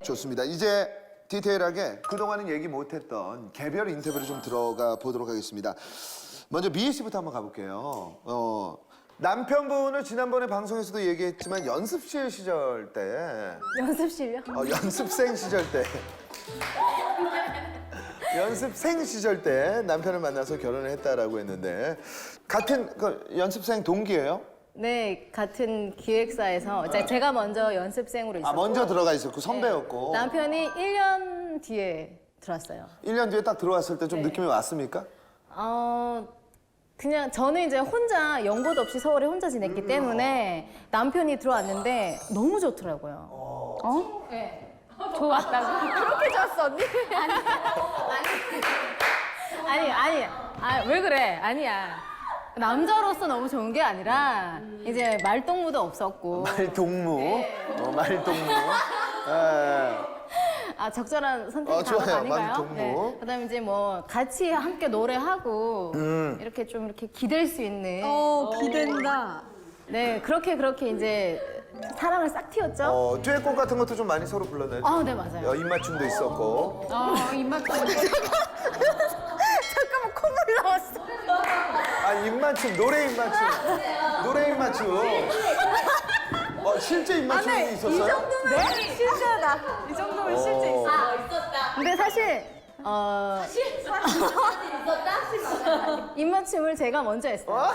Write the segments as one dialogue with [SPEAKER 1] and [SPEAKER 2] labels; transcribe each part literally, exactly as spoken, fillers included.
[SPEAKER 1] 좋습니다. 이제 디테일하게 그동안은 얘기 못했던 개별 인터뷰를 좀 들어가 보도록 하겠습니다. 먼저 미희 씨부터 한번 가볼게요. 어, 남편분을 지난번에 방송에서도 얘기했지만 연습실 시절 때
[SPEAKER 2] 연습실요?
[SPEAKER 1] 어, 연습생 시절 때 연습생 시절 때 남편을 만나서 결혼을 했다라고 했는데 같은 그 연습생 동기예요?
[SPEAKER 2] 네, 같은 기획사에서 제- 제가 먼저 연습생으로 있었고
[SPEAKER 1] 아 먼저 들어가 있었고 선배였고
[SPEAKER 2] 남편이 일 년 뒤에 들어왔어요.
[SPEAKER 1] 일 년 뒤에 딱 들어왔을 때 좀
[SPEAKER 2] 네.
[SPEAKER 1] 느낌이 왔습니까?
[SPEAKER 2] 어, 그냥 저는 이제 혼자 연고도 없이 서울에 혼자 지냈기 때문에 남편이 들어왔는데 너무 좋더라고요.
[SPEAKER 3] 어?
[SPEAKER 2] 네.
[SPEAKER 3] 좋았다고?
[SPEAKER 2] 그렇게 좋았어 언니? 아니 아니 아니 왜 그래? 아니야. 남자로서 너무 좋은 게 아니라 이제 말동무도 없었고
[SPEAKER 1] 말동무, 어, 말동무. 예.
[SPEAKER 2] 아 적절한 선택이
[SPEAKER 1] 어, 좋아요.
[SPEAKER 2] 아닌가요?
[SPEAKER 1] 말동무.
[SPEAKER 2] 그다음에 이제 뭐 같이 함께 노래하고
[SPEAKER 1] 음.
[SPEAKER 2] 이렇게 좀 이렇게 기댈 수 있는
[SPEAKER 3] 어, 기댄다.
[SPEAKER 2] 네 그렇게 그렇게 이제 사랑을 싹 틔웠죠.
[SPEAKER 1] 어, 듀엣곡 같은 것도 좀 많이 서로 불렀나요?
[SPEAKER 2] 아, 네 맞아요.
[SPEAKER 1] 어, 입맞춤도 있었고.
[SPEAKER 3] 어, 입맛
[SPEAKER 2] 잠깐만 콧물 나왔어.
[SPEAKER 1] 아, 입맞춤, 노래 입맞춤. 노래 입맞춤. 어, 실제 입맞춤이 있었어요?
[SPEAKER 2] 정도면 네? 실제다.
[SPEAKER 3] 이 정도면
[SPEAKER 1] 어.
[SPEAKER 3] 실제 있어.
[SPEAKER 2] 근데 사실 어 입맞춤을 제가 먼저 했어요.
[SPEAKER 1] 어?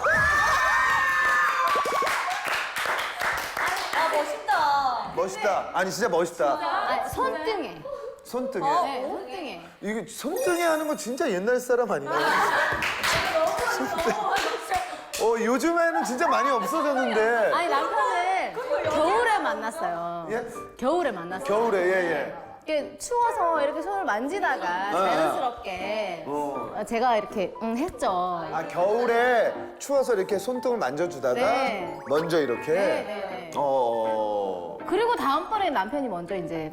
[SPEAKER 1] 멋있다. 아니, 진짜 멋있다.
[SPEAKER 2] 아, 손등에.
[SPEAKER 1] 손등에.
[SPEAKER 2] 네, 손등에.
[SPEAKER 1] 이게 손등에 하는 거 진짜 옛날 사람 아닌가요? 손등. 어, 요즘에는 진짜 많이 없어졌는데.
[SPEAKER 2] 아니 남편을 겨울에 만났어요.
[SPEAKER 1] 예?
[SPEAKER 2] 겨울에 만났어요.
[SPEAKER 1] 겨울에, 예, 예.
[SPEAKER 2] 이렇게 추워서 이렇게 손을 만지다가 자연스럽게
[SPEAKER 1] 어.
[SPEAKER 2] 어, 제가 이렇게 응 했죠.
[SPEAKER 1] 아, 겨울에 추워서 이렇게 손등을 만져주다가
[SPEAKER 2] 네.
[SPEAKER 1] 먼저 이렇게.
[SPEAKER 2] 네, 네, 네.
[SPEAKER 1] 어.
[SPEAKER 2] 그리고 다음번에 남편이 먼저 이제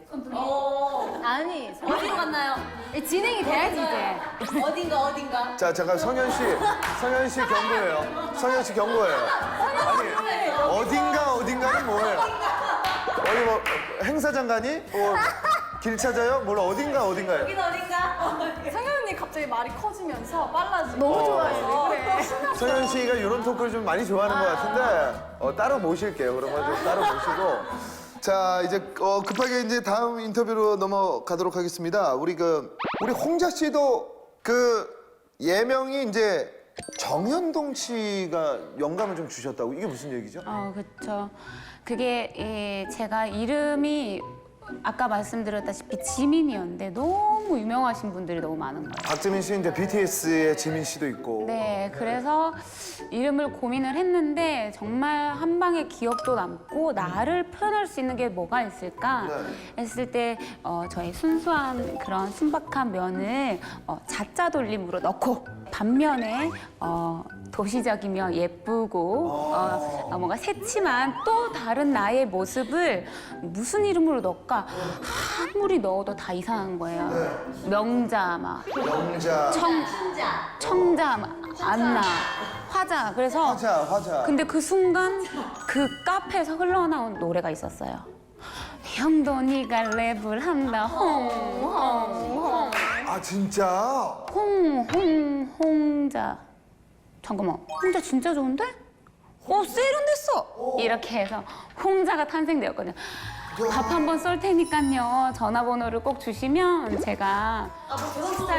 [SPEAKER 2] 아니
[SPEAKER 4] 어디로 갔나요?
[SPEAKER 2] 진행이 돼야지 이제.
[SPEAKER 4] 어딘가 어딘가.
[SPEAKER 1] 자, 잠깐 성현 씨, 성현 씨 경고예요. 성현 씨 경고예요. 아니, 어딘가 어딘가는 뭐예요? 어디 뭐 행사장 가니? 뭐 길 찾아요? 뭘 어딘가 어딘가요?
[SPEAKER 4] 여긴 어딘가.
[SPEAKER 3] 상현 언니 갑자기 말이 커지면서 빨라지고.
[SPEAKER 2] 너무 좋아요.
[SPEAKER 3] 그래.
[SPEAKER 1] 성현 씨가 이런 토크를 좀 많이 좋아하는 것 같은데 어, 따로 모실게요. 그러면 좀 따로 모시고. 자, 이제 어, 급하게 이제 다음 인터뷰로 넘어가도록 하겠습니다. 우리 그 우리 홍자 씨도 그 예명이 이제 정현동 씨가 영감을 좀 주셨다고. 이게 무슨 얘기죠?
[SPEAKER 5] 어, 그렇죠. 그게 예, 제가 이름이 아까 말씀드렸다시피 지민이었는데 너무 유명하신 분들이 너무 많은 거예요.
[SPEAKER 1] 박지민 씨 이제 비티에스의 지민 씨도 있고.
[SPEAKER 5] 네, 그래서 이름을 고민을 했는데 정말 한 방에 기억도 남고 나를 표현할 수 있는 게 뭐가 있을까
[SPEAKER 1] 네.
[SPEAKER 5] 했을 때 어, 저희 순수한 그런 순박한 면을 어, 자자 돌림으로 넣고 반면에 어, 도시적이며 예쁘고 어, 어, 뭔가 새침한 또 다른 나의 모습을 무슨 이름으로 넣을까 아무리 넣어도 다 이상한 거예요. 명자 막
[SPEAKER 1] 영자,
[SPEAKER 5] 청, 청자, 막 안나, 화자. 그래서
[SPEAKER 1] 화자, 화자.
[SPEAKER 5] 근데 그 순간 그 카페에서 흘러나온 노래가 있었어요. 형도 네가 랩을 한다 홍홍홍
[SPEAKER 1] 아, 진짜?
[SPEAKER 5] 홍홍 홍자. 잠깐만, 홍자 진짜 좋은데? 어, 세련됐어. 이렇게 해서 홍자가 탄생되었거든요. 밥 한 번 쏠 테니까요. 전화번호를 꼭 주시면 제가 식사를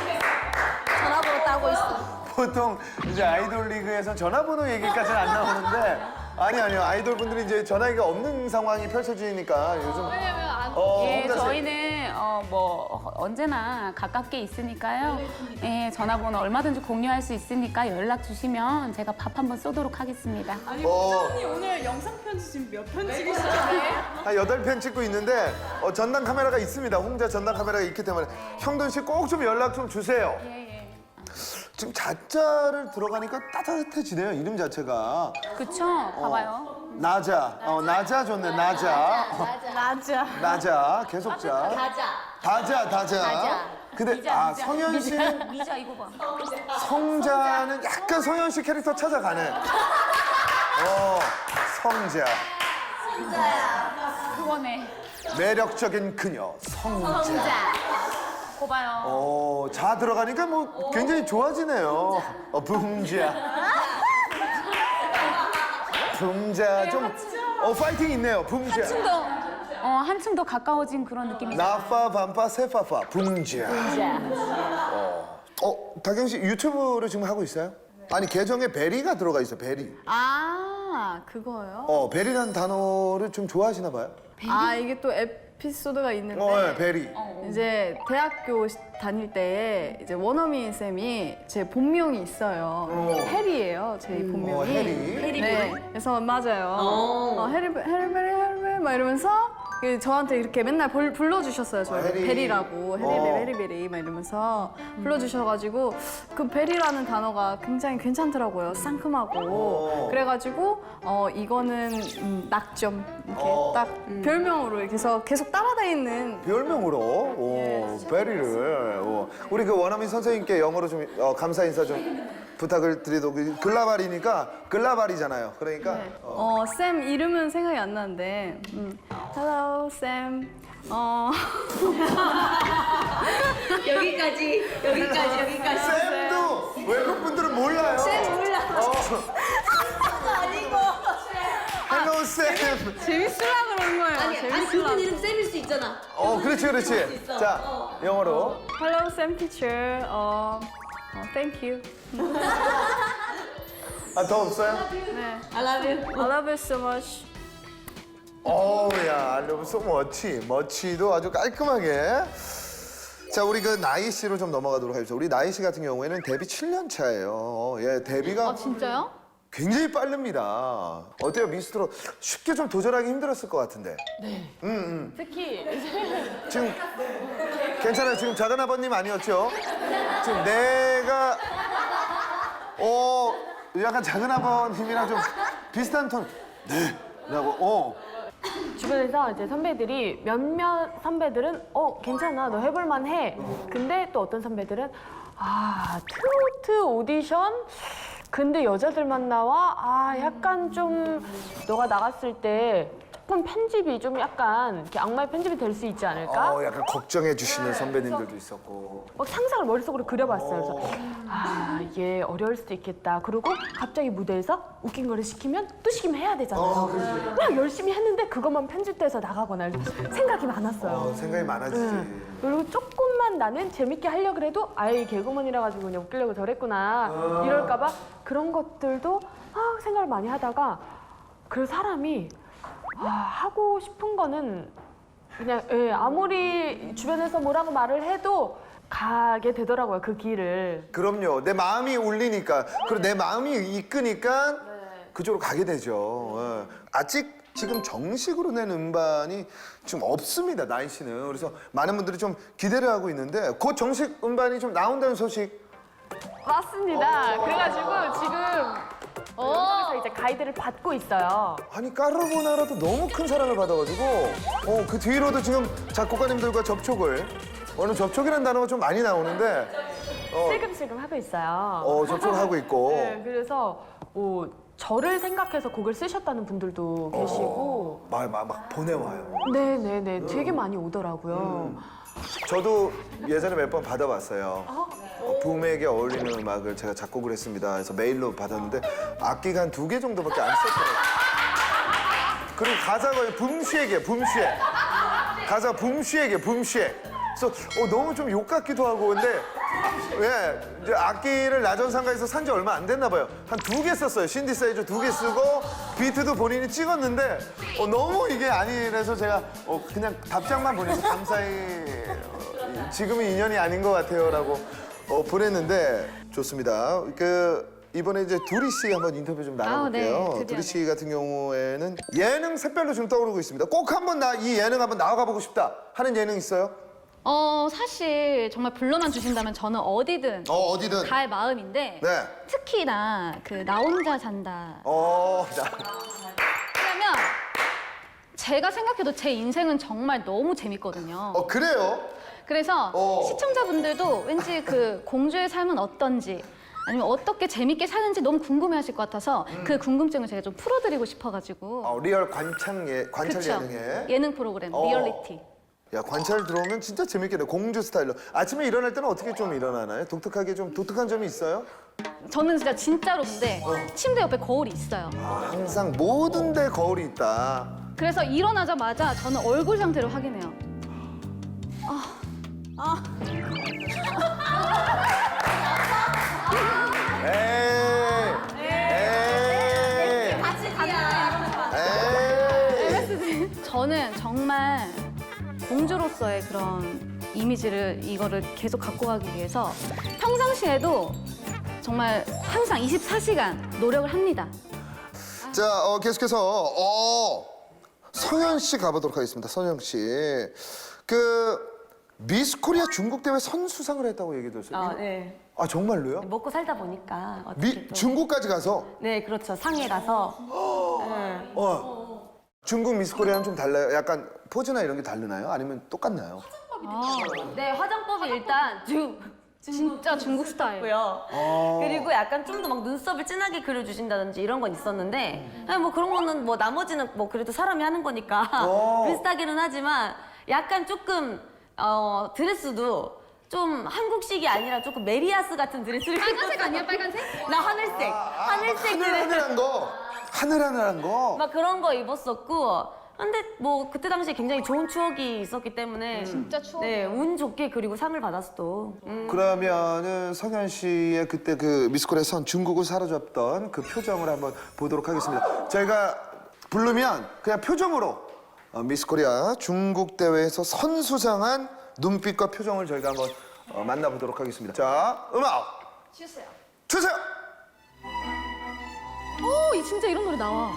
[SPEAKER 4] 전화번호 따고 있어.
[SPEAKER 1] 보통 이제 아이돌 리그에서 전화번호 얘기까지는 안 나오는데 아니 아니요 아이돌 분들이 이제 전화기가 없는 상황이 펼쳐지니까 요즘 어,
[SPEAKER 5] 예,
[SPEAKER 1] 홍자 씨.
[SPEAKER 5] 저희는 어, 뭐 언제나 가깝게 있으니까요. 예, 전화번호 얼마든지 공유할 수 있으니까 연락 주시면 제가 밥 한 번 쏘도록 하겠습니다.
[SPEAKER 3] 아니,
[SPEAKER 1] 어.
[SPEAKER 3] 홍자 언니 오늘 영상 편지 지금 몇 편 찍으시죠?
[SPEAKER 1] 한 여덟 편 찍고 있는데 어, 전담 카메라가 있습니다. 홍자 전담 카메라가 있기 때문에 형돈 씨 꼭 좀 연락 좀 주세요.
[SPEAKER 5] 예, 예.
[SPEAKER 1] 지금 자자를 들어가니까 따뜻해지네요. 이름 자체가.
[SPEAKER 5] 그쵸? 봐봐요.
[SPEAKER 1] 나자. 어, 나자 좋네. 나자.
[SPEAKER 3] 맞아.
[SPEAKER 1] 나자. 계속자.
[SPEAKER 4] 가자.
[SPEAKER 1] 다자, 다자.
[SPEAKER 4] 다자.
[SPEAKER 1] 근데 아, 성현 씨는
[SPEAKER 5] 미자 이거 봐.
[SPEAKER 1] 성자는 약간 성현 씨 캐릭터 찾아가네. 어, 성자.
[SPEAKER 5] 그거네.
[SPEAKER 1] 매력적인 그녀 성자.
[SPEAKER 5] 고봐요.
[SPEAKER 1] 어, 자 들어가니까 뭐 굉장히 좋아지네요. 어, 붕자. 붕자 좀 어, 파이팅 있네요. 붕자.
[SPEAKER 5] 한층 더, 어, 한층 더 가까워진 그런 느낌이.
[SPEAKER 1] 나파 반파 세파파 붕자. 어, 어, 다경 씨 유튜브를 지금 하고 있어요? 아니 계정에 베리가 들어가 있어. 베리.
[SPEAKER 3] 아, 그거요?
[SPEAKER 1] 어, 베리라는 단어를 좀 좋아하시나 봐요.
[SPEAKER 3] 아, 이게 또 에피소드가 있는데.
[SPEAKER 1] 어, 네, 베리.
[SPEAKER 3] 이제 대학교 시- 다닐 때에 이제 원어민 쌤이 제 본명이 있어요. 해리예요, 제 본명이.
[SPEAKER 1] 어, 해리.
[SPEAKER 3] 네, 그래서 맞아요. 어, 해리, 해리베리, 해리베리 막 이러면서 그 저한테 이렇게 맨날 불, 불러주셨어요. 저
[SPEAKER 1] 어, 해리.
[SPEAKER 3] 베리라고 해리베리,
[SPEAKER 1] 어.
[SPEAKER 3] 해리베리 막 이러면서 불러주셔가지고 그 베리라는 단어가 굉장히 괜찮더라고요. 상큼하고.
[SPEAKER 1] 어.
[SPEAKER 3] 그래가지고 어 이거는 음, 낙점 이렇게
[SPEAKER 1] 어.
[SPEAKER 3] 딱 별명으로 이렇게 해서 계속 따라다니는.
[SPEAKER 1] 별명으로 오, 베리를 오. 우리 그 원어민 선생님께 영어로 좀 어, 감사 인사 좀 부탁을 드리도록 글라발이니까 글라발이잖아요. 그러니까 어,
[SPEAKER 3] 어, 쌤 이름은 생각이 안 나는데. 음. Hello, 쌤. 어.
[SPEAKER 4] 여기까지, 여기까지, 여기까지.
[SPEAKER 1] 쌤도 외국 분들은 몰라요.
[SPEAKER 4] 쌤 몰라.
[SPEAKER 1] 어,
[SPEAKER 4] 아니고.
[SPEAKER 1] 헬로 쌤.
[SPEAKER 3] 재밌으려고 그런 거예요.
[SPEAKER 4] 아니, 아니 그분 이름 쌤일 수 있잖아.
[SPEAKER 1] 어, 그렇지, 그렇지.
[SPEAKER 4] 있어.
[SPEAKER 1] 자,
[SPEAKER 4] 어.
[SPEAKER 1] 영어로.
[SPEAKER 3] Hello, 쌤 teacher. 어, 어, thank you.
[SPEAKER 1] 아, 더 없어요?
[SPEAKER 3] 네.
[SPEAKER 4] I love you.
[SPEAKER 3] I love you so much.
[SPEAKER 1] 어우야, 알려면 소 멋지. 멋지도 아주 깔끔하게. 자, 우리 그 나이 씨로 좀 넘어가도록 하겠습니다. 우리 나이 씨 같은 경우에는 데뷔 칠 년 차예요. 예, 데뷔가
[SPEAKER 2] 아, 진짜요?
[SPEAKER 1] 굉장히 빠릅니다. 어때요, 미스트로? 쉽게 좀 도전하기 힘들었을 것 같은데. 네. 음, 음.
[SPEAKER 3] 특히
[SPEAKER 1] 지금 괜찮아요. 지금 작은 아버님 아니었죠? 지금 내가 어 약간 작은 아버님이랑 좀 비슷한 톤. 네. 라고 어.
[SPEAKER 6] 주변에서 이제 선배들이 몇몇 선배들은 어 괜찮아 너 해볼만 해 근데 또 어떤 선배들은 아 트로트 오디션 근데 여자들만 나와 아 약간 좀 너가 나갔을 때 조금 편집이 좀 약간 이렇게 악마의 편집이 될 수 있지 않을까
[SPEAKER 1] 어, 약간 걱정해 주시는 선배님들도 있었고.
[SPEAKER 6] 막 상상을 머릿속으로 그려봤어요. 그래서 아, 얘 어려울 수도 있겠다. 그리고 갑자기 무대에서 웃긴 거를 시키면 또 시키면 해야 되잖아요. 막 열심히 했는데 그것만 편집돼서 나가거나 생각이 많았어요.
[SPEAKER 1] 어, 생각이 많아지지.
[SPEAKER 6] 네. 그리고 조금만 나는 재밌게 하려고 그래도 아이 개그맨이라 가지고 그냥 웃기려고 저랬구나 이럴까봐 그런 것들도 아, 생각을 많이 하다가 그 사람이 아, 하고 싶은 거는 그냥 예, 아무리 주변에서 뭐라고 말을 해도 가게 되더라고요 그 길을.
[SPEAKER 1] 그럼요. 내 마음이 울리니까 그리고 내 마음이 이끄니까 그쪽으로 가게 되죠. 예. 아직 지금 정식으로 낸 음반이 좀 없습니다. 나이 씨는. 그래서 많은 분들이 좀 기대를 하고 있는데 곧 정식 음반이 좀 나온다는 소식.
[SPEAKER 6] 맞습니다. 그래가지고 지금 방송에서 이제 가이드를 받고 있어요.
[SPEAKER 1] 아니 까르보나라도 너무 큰 사랑을 받아가지고 어, 그 뒤로도 지금 작곡가님들과 접촉을 오늘 접촉이라는 단어가 좀 많이 나오는데 어,
[SPEAKER 6] 슬금슬금 하고 있어요.
[SPEAKER 1] 어, 접촉을 하고 있고
[SPEAKER 6] 네, 그래서 뭐 저를 생각해서 곡을 쓰셨다는 분들도 계시고
[SPEAKER 1] 막, 막, 막 보내와요.
[SPEAKER 6] 네네네 되게 많이 오더라고요.
[SPEAKER 1] 저도 예전에 몇 번 받아봤어요. 어, 붐에게 어울리는 음악을 제가 작곡을 했습니다. 그래서 메일로 받았는데 악기가 한 두 개 정도밖에 안 썼더라고요. 그리고 가사가 붐씨에게, 붐씨에. 가사 붐씨에게, 붐씨에. 그래서 어, 너무 좀 욕 같기도 하고 근데 예, 이제 악기를 나전상가에서 산 지 얼마 안 됐나 봐요. 한 두 개 썼어요. 신디사이저 두 개 쓰고 비트도 본인이 찍었는데 어, 너무 이게 아니라서 제가 어, 그냥 답장만 보내서 감사히 어, 지금은 인연이 아닌 것 같아요라고 어, 보냈는데 좋습니다. 그 이번에 이제 두리 씨 한번 인터뷰 좀 나눠볼게요.
[SPEAKER 2] 아, 네. 드디어,
[SPEAKER 1] 두리 씨 같은 경우에는 예능 샛별로 지금 떠오르고 있습니다. 꼭 한번 나 이 예능 한번 나가 보고 싶다 하는 예능 있어요?
[SPEAKER 2] 어, 사실 정말 불러만 주신다면 저는 어디든
[SPEAKER 1] 어 어디든.
[SPEAKER 2] 갈 마음인데
[SPEAKER 1] 네.
[SPEAKER 2] 특히나 그 나 혼자 산다.
[SPEAKER 1] 어, 나,
[SPEAKER 2] 왜냐면 제가 생각해도 제 인생은 정말 너무 재밌거든요.
[SPEAKER 1] 어 그래요?
[SPEAKER 2] 그래서
[SPEAKER 1] 어.
[SPEAKER 2] 시청자분들도 왠지 그 공주의 삶은 어떤지 아니면 어떻게 재밌게 사는지 너무 궁금해하실 것 같아서 그 궁금증을 제가 좀 풀어드리고 싶어가지고.
[SPEAKER 1] 어, 리얼 관찰 예 관찰
[SPEAKER 2] 그쵸?
[SPEAKER 1] 예능에.
[SPEAKER 2] 예능 프로그램
[SPEAKER 1] 어.
[SPEAKER 2] 리얼리티.
[SPEAKER 1] 야 관찰 들어오면 진짜 재밌겠네. 공주 스타일로. 아침에 일어날 때는 어떻게 좀 일어나나요? 독특하게 좀 독특한 점이 있어요?
[SPEAKER 2] 저는 진짜 진짜로 근데 침대 옆에 거울이 있어요.
[SPEAKER 1] 아, 항상 모든 데 거울이 있다.
[SPEAKER 2] 그래서 일어나자마자 저는 얼굴 상태를 확인해요.
[SPEAKER 1] 에이. 에이.
[SPEAKER 4] 같이 가자.
[SPEAKER 1] 에이.
[SPEAKER 2] 저는 정말 공주로서의 그런 이미지를 이거를 계속 갖고 가기 위해서 평상시에도 정말 항상 이십사 시간 노력을 합니다.
[SPEAKER 1] 자, 어, 계속해서 어, 성현 씨 가보도록 하겠습니다. 성현 씨, 그 미스 코리아 중국 대회 선수상을 했다고 얘기 들었어요.
[SPEAKER 7] 아, 네.
[SPEAKER 1] 아 정말로요?
[SPEAKER 7] 먹고 살다 보니까 어떻게
[SPEAKER 1] 미
[SPEAKER 7] 또-
[SPEAKER 1] 중국까지 가서
[SPEAKER 7] 네, 그렇죠. 상해 가서 네.
[SPEAKER 1] 어, 중국 미스 코리아는 좀 달라요. 약간 포즈나 이런 게 다르나요? 아니면 똑같나요?
[SPEAKER 7] 네, 화장법이 일단 중
[SPEAKER 2] 진짜 중국 스타일.
[SPEAKER 7] 고요.
[SPEAKER 1] 어.
[SPEAKER 7] 그리고 약간 좀 더 막 눈썹을 진하게 그려주신다든지 이런 건 있었는데 아니, 뭐 그런 거는 뭐 나머지는 뭐 그래도 사람이 하는 거니까
[SPEAKER 1] 어.
[SPEAKER 7] 비슷하기는 하지만 약간 조금 어, 드레스도 좀 한국식이 아니라 조금 메리아스 같은 드레스를
[SPEAKER 2] 빨간색 아니야 빨간색?
[SPEAKER 7] 나 하늘색 하늘색
[SPEAKER 1] 하늘
[SPEAKER 7] 드레스
[SPEAKER 1] 하늘한 거, 하늘 하늘한 거.
[SPEAKER 7] 막 그런 거 입었었고 근데 뭐 그때 당시에 굉장히 좋은 추억이 있었기 때문에
[SPEAKER 2] 진짜 추억.
[SPEAKER 7] 네, 운 좋게 그리고 상을 받았어 또. 음.
[SPEAKER 1] 그러면은 성현 씨의 그때 그 미스 코리아 선 중국을 사로잡던 그 표정을 한번 보도록 하겠습니다. 저희가 부르면 그냥 표정으로 어, 미스 코리아 중국 대회에서 선수상한 눈빛과 표정을 저희가 한번 어, 만나보도록 하겠습니다. 자, 음악 주세요. 주세요.
[SPEAKER 2] 오, 이 진짜 이런 노래 나와.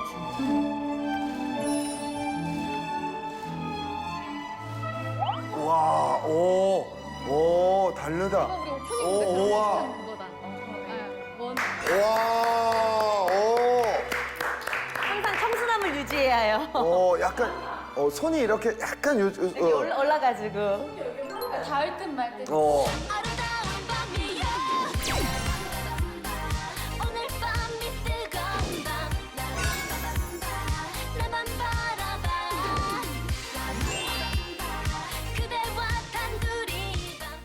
[SPEAKER 1] 와, 오, 오, 다르다. 오, 오, 와,
[SPEAKER 2] 그거다. 원.
[SPEAKER 1] 와, 오,
[SPEAKER 7] 항상 청순함을 유지해야 해요.
[SPEAKER 1] 오, 약간 어, 손이 이렇게 약간 요, 요
[SPEAKER 7] 이렇게 올라, 올라가지고.
[SPEAKER 2] 닿을 듯 말 듯.
[SPEAKER 1] 어,
[SPEAKER 4] 아름